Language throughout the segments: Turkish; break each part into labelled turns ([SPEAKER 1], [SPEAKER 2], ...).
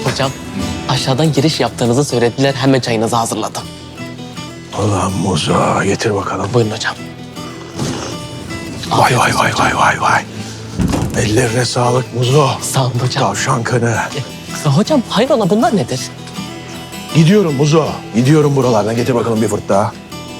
[SPEAKER 1] Hocam aşağıdan giriş yaptığınızı söylediler. Hemen çayınızı hazırladım.
[SPEAKER 2] Ulan Muzo, getir bakalım.
[SPEAKER 1] Buyurun hocam.
[SPEAKER 2] Vay vay vay vay vay vay. Ellerine sağlık Muzo.
[SPEAKER 1] Sağ olun hocam.
[SPEAKER 2] Tavşan kanı.
[SPEAKER 1] Hocam hayrola bunlar nedir?
[SPEAKER 2] Gidiyorum Muzo. Gidiyorum buralardan. Getir bakalım bir fırt daha.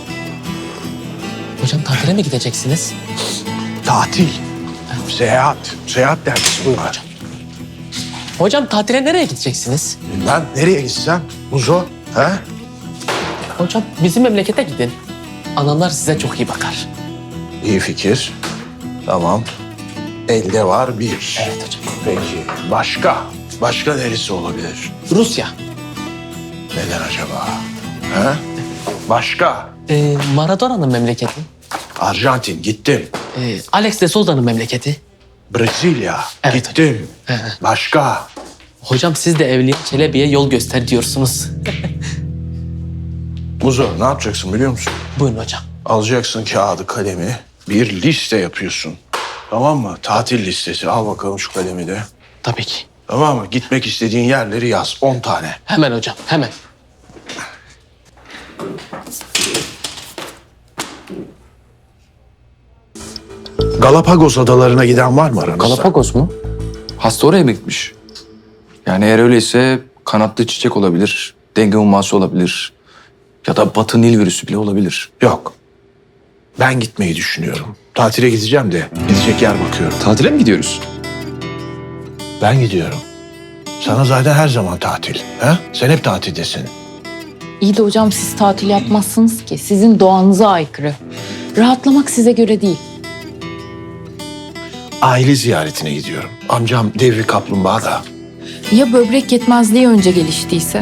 [SPEAKER 1] Hocam tatile mi gideceksiniz?
[SPEAKER 2] Tatil. Seyahat. Seyahat dergisi buyur.
[SPEAKER 1] Hocam tatile nereye gideceksiniz?
[SPEAKER 2] Ben nereye gitsem Muzo? He?
[SPEAKER 1] Hocam bizim memlekete gidin. Analar size çok iyi bakar.
[SPEAKER 2] İyi fikir. Tamam. Elde var bir.
[SPEAKER 1] Evet hocam.
[SPEAKER 2] Peki. Başka? Başka neresi olabilir?
[SPEAKER 1] Rusya.
[SPEAKER 2] Neden acaba? He? Başka?
[SPEAKER 1] Maradona'nın memleketi.
[SPEAKER 2] Arjantin gittim.
[SPEAKER 1] Alex de Souza'nın memleketi.
[SPEAKER 2] Brezilya
[SPEAKER 1] Evet
[SPEAKER 2] gittim. Başka?
[SPEAKER 1] Hocam siz de Evliya Çelebi'ye yol göster diyorsunuz.
[SPEAKER 2] Muzo ne yapacaksın biliyor musun?
[SPEAKER 1] Buyurun hocam.
[SPEAKER 2] Alacaksın kağıdı kalemi. Bir liste yapıyorsun. Tamam mı? Tatil listesi. Al bakalım şu kalemi de.
[SPEAKER 1] Tabii ki.
[SPEAKER 2] Tamam mı? Gitmek istediğin yerleri yaz. 10 tane.
[SPEAKER 1] Hemen hocam, hemen.
[SPEAKER 2] Galapagos adalarına giden var mı aranızda?
[SPEAKER 3] Galapagos mu? Hasta oraya mı gitmiş? Yani eğer öyleyse kanatlı çiçek olabilir, denge humması olabilir ya da Batı Nil virüsü bile olabilir.
[SPEAKER 2] Yok. Ben gitmeyi düşünüyorum. Tatile gideceğim de gidecek yer bakıyorum.
[SPEAKER 3] Tatile mi gidiyoruz?
[SPEAKER 2] Ben gidiyorum. Sana zaten her zaman tatil. He? Sen hep tatildesin.
[SPEAKER 4] İyi de hocam siz tatil yapmazsınız ki. Sizin doğanıza aykırı. Rahatlamak size göre değil.
[SPEAKER 2] Aile ziyaretine gidiyorum. Amcam devri kaplumbağa da.
[SPEAKER 4] Ya böbrek yetmezliği önce geliştiyse?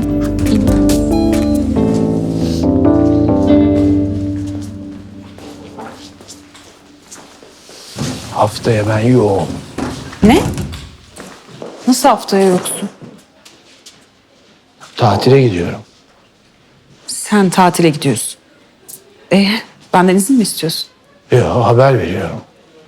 [SPEAKER 2] Haftaya ben yoğum.
[SPEAKER 4] Ne? Nasıl haftaya yoksun?
[SPEAKER 2] Tatile gidiyorum.
[SPEAKER 4] Sen tatile gidiyorsun. Benden izin mi istiyorsun?
[SPEAKER 2] Yok, haber veriyorum.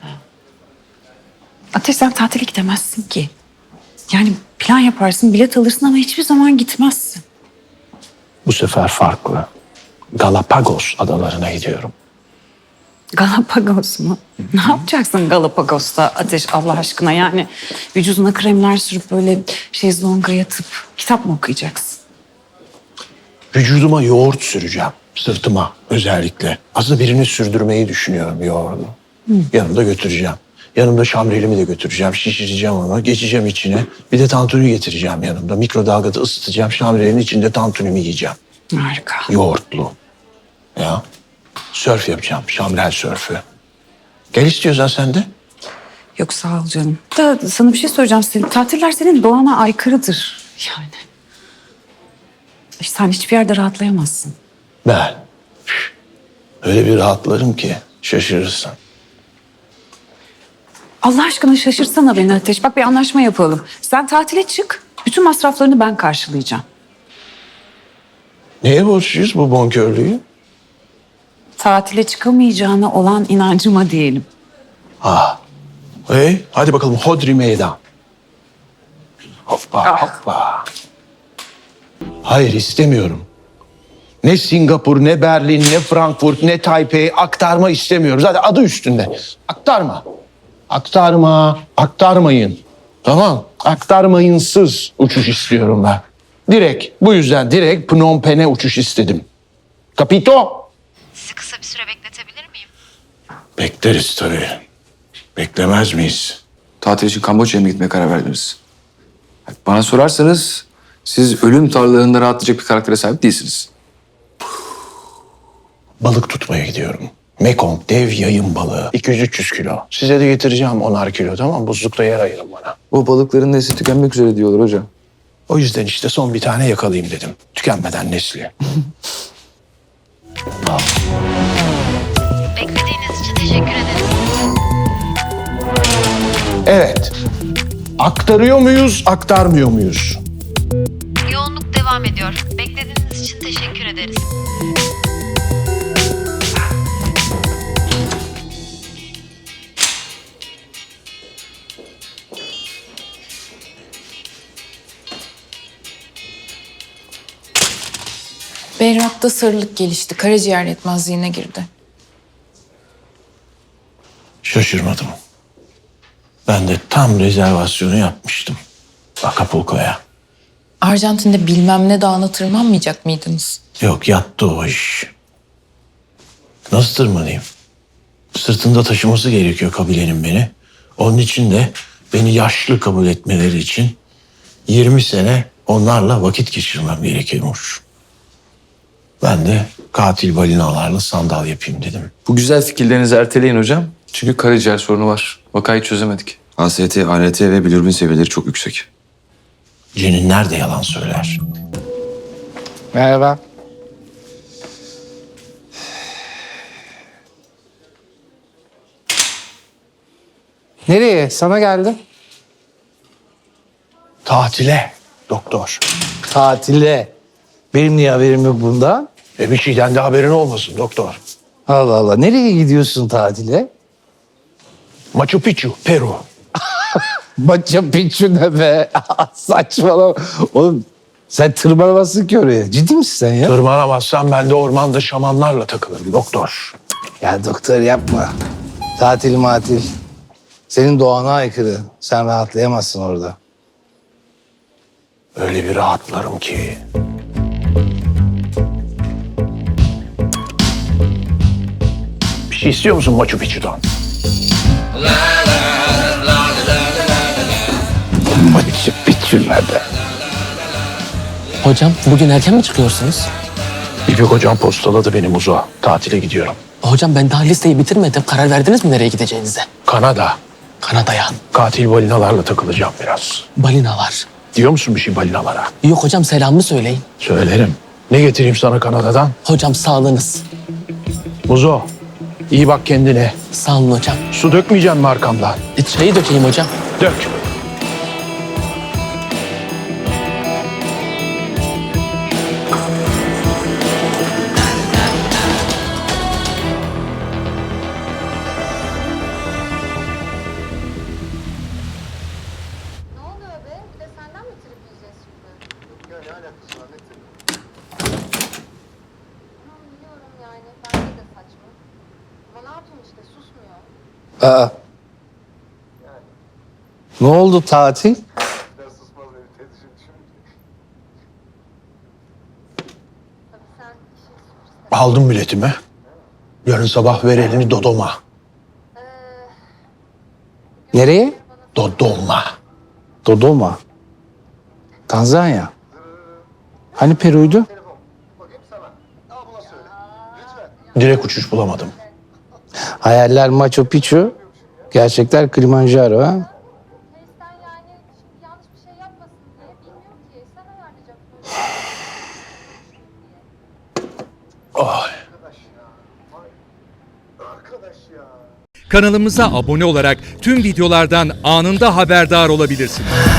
[SPEAKER 4] Ateş sen tatile gidemezsin ki. Yani plan yaparsın, bilet alırsın ama hiçbir zaman gitmezsin.
[SPEAKER 2] Bu sefer farklı. Galapagos adalarına gidiyorum.
[SPEAKER 4] Galapagos mu? Ne yapacaksın Galapagos'ta Ateş Allah aşkına? Yani vücuduna kremler sürüp böyle şezlonga yatıp kitap mı okuyacaksın?
[SPEAKER 2] Vücuduma yoğurt süreceğim. Sırtıma özellikle. Aslında birini sürdürmeyi düşünüyorum yoğurdu. Yanımda götüreceğim. Yanımda şamrelimi de götüreceğim. Şişireceğim onu. Geçeceğim içine. Bir de tantuni getireceğim yanımda. Mikrodalgada ısıtacağım. Şamrelin içinde tantunimi yiyeceğim.
[SPEAKER 4] Harika.
[SPEAKER 2] Yoğurtlu. Ya. Sörf yapacağım. Şamrel sörfü. Gel istiyorsan sen de.
[SPEAKER 4] Yok sağ ol canım. Da sana bir şey soracağım. Tatiller senin doğana aykırıdır yani. Sen hiçbir yerde rahatlayamazsın.
[SPEAKER 2] Ben. Öyle bir rahatlarım ki şaşırırsın.
[SPEAKER 4] Allah aşkına şaşırsana beni Ateş. Bak bir anlaşma yapalım. Sen tatile çık. Bütün masraflarını ben karşılayacağım.
[SPEAKER 2] Neye borçluyuz bu bonkörlüğü?
[SPEAKER 4] Tatile çıkamayacağına olan inancıma diyelim.
[SPEAKER 2] Hey, hadi bakalım hodri meydan. Hoppa hoppa. Hayır istemiyorum. Ne Singapur, ne Berlin, ne Frankfurt, ne Taipei aktarma istemiyorum. Zaten adı üstünde. Aktarma. Aktarma, aktarmayın. Tamam, aktarmayınsız uçuş istiyorum ben. Bu yüzden direkt Phnom Penh'e uçuş istedim. Kapito?
[SPEAKER 5] Sizi kısa bir süre bekletebilir miyim?
[SPEAKER 2] Bekleriz tabii. Beklemez miyiz?
[SPEAKER 3] Tatil için Kamboçya'ya mı gitmeye karar verdiniz? Bana sorarsanız siz ölüm tarlalarında rahatlayacak bir karaktere sahip değilsiniz.
[SPEAKER 2] Balık tutmaya gidiyorum. Mekong dev yayın balığı. 200-300 kilo. Size de getireceğim 10'ar kilo tamam mı? Buzlukta yer ayırın bana.
[SPEAKER 3] O balıkların nesli tükenmek üzere diyorlar hocam.
[SPEAKER 2] O yüzden işte son bir tane yakalayayım dedim. Tükenmeden nesli.
[SPEAKER 5] Beklediğiniz için teşekkür ederim.
[SPEAKER 2] Evet. Aktarıyor muyuz, aktarmıyor muyuz?
[SPEAKER 5] Yoğunluk devam ediyor. Beklediğiniz için teşekkür ederiz.
[SPEAKER 6] Berrak'ta sarılık gelişti. Karaciğer yetmezliğine girdi.
[SPEAKER 2] Şaşırmadım. Ben de tam rezervasyonu yapmıştım. Acapulco'ya.
[SPEAKER 6] Arjantin'de bilmem ne dağına tırmanmayacak mıydınız?
[SPEAKER 2] Yok, yattı o iş. Nasıl tırmanayım? Sırtında taşıması gerekiyor kabilenin beni. Onun için de beni yaşlı kabul etmeleri için 20 sene onlarla vakit geçirmem gerekiyormuş. Ben de katil balinalarla sandal yapayım dedim.
[SPEAKER 3] Bu güzel fikirlerinizi erteleyin hocam. Çünkü karaciğer sorunu var. Vakayı çözemedik.
[SPEAKER 7] AST, ALT ve bilirubin seviyeleri çok yüksek.
[SPEAKER 2] Ceninler de yalan söyler.
[SPEAKER 8] Merhaba. Nereye? Sana geldim.
[SPEAKER 2] Tatile doktor.
[SPEAKER 8] Tatile. Benim niye haberim yok bundan?
[SPEAKER 2] Bir şeyden de haberin olmasın doktor.
[SPEAKER 8] Allah Allah. Nereye gidiyorsun tatile?
[SPEAKER 2] Machu Picchu, Peru.
[SPEAKER 8] Machu Picchu ne be? Saçmalama. Oğlum sen tırmanamazsın ki oraya. Ciddi misin sen ya?
[SPEAKER 2] Tırmanamazsam ben de ormanda şamanlarla takılırım doktor.
[SPEAKER 8] Ya doktor yapma. Tatil matil. Senin doğana aykırı. Sen rahatlayamazsın orada.
[SPEAKER 2] Öyle bir rahatlarım ki. Bir şey istiyor musun Machu Picchu'dan?
[SPEAKER 8] Machu Picchu ne be?
[SPEAKER 1] Hocam bugün erken mi çıkıyorsunuz?
[SPEAKER 2] İpek hocam postaladı beni Muzo. Tatile gidiyorum.
[SPEAKER 1] Hocam ben daha listeyi bitirmedim. Karar verdiniz mi nereye gideceğinize?
[SPEAKER 2] Kanada.
[SPEAKER 1] Kanada'ya.
[SPEAKER 2] Katil balinalarla takılacağım biraz.
[SPEAKER 1] Balinalar.
[SPEAKER 2] Diyor musun bir şey balinalara?
[SPEAKER 1] Yok hocam selamımı söyleyin.
[SPEAKER 2] Söylerim. Ne getireyim sana Kanada'dan?
[SPEAKER 1] Hocam sağlığınız.
[SPEAKER 2] Muzo, iyi bak kendine.
[SPEAKER 1] Sağ olun hocam.
[SPEAKER 2] Su dökmeyeceksin mi arkamdan?
[SPEAKER 1] Çayı dökeyim hocam.
[SPEAKER 2] Dök.
[SPEAKER 9] Ne oluyor be? Bir de senden mi trip yiyeceğiz şimdi? Ya ne alakası var ne trip? Tamam biliyorum yani. Bence de saçma. Ama ne yapayım işte susmuyor.
[SPEAKER 8] Aa. Ne oldu tatil?
[SPEAKER 9] Tabii sen işin sürpriz.
[SPEAKER 2] Aldım biletimi. Yarın sabah ver elini Dodoma.
[SPEAKER 8] Nereye?
[SPEAKER 2] Dodoma.
[SPEAKER 8] Dodoma. Tanzanya. Hani Peru'ydu?
[SPEAKER 2] Direkt uçuş bulamadım.
[SPEAKER 8] Hayaller Machu Picchu. Gerçekler Kilimanjaro ha?
[SPEAKER 9] Face'ten yani şimdi yanlış bir şey yapmasın diye bilmiyor ki. Sen ayarlayacaksın.
[SPEAKER 10] Kanalımıza abone olarak tüm videolardan anında haberdar olabilirsiniz.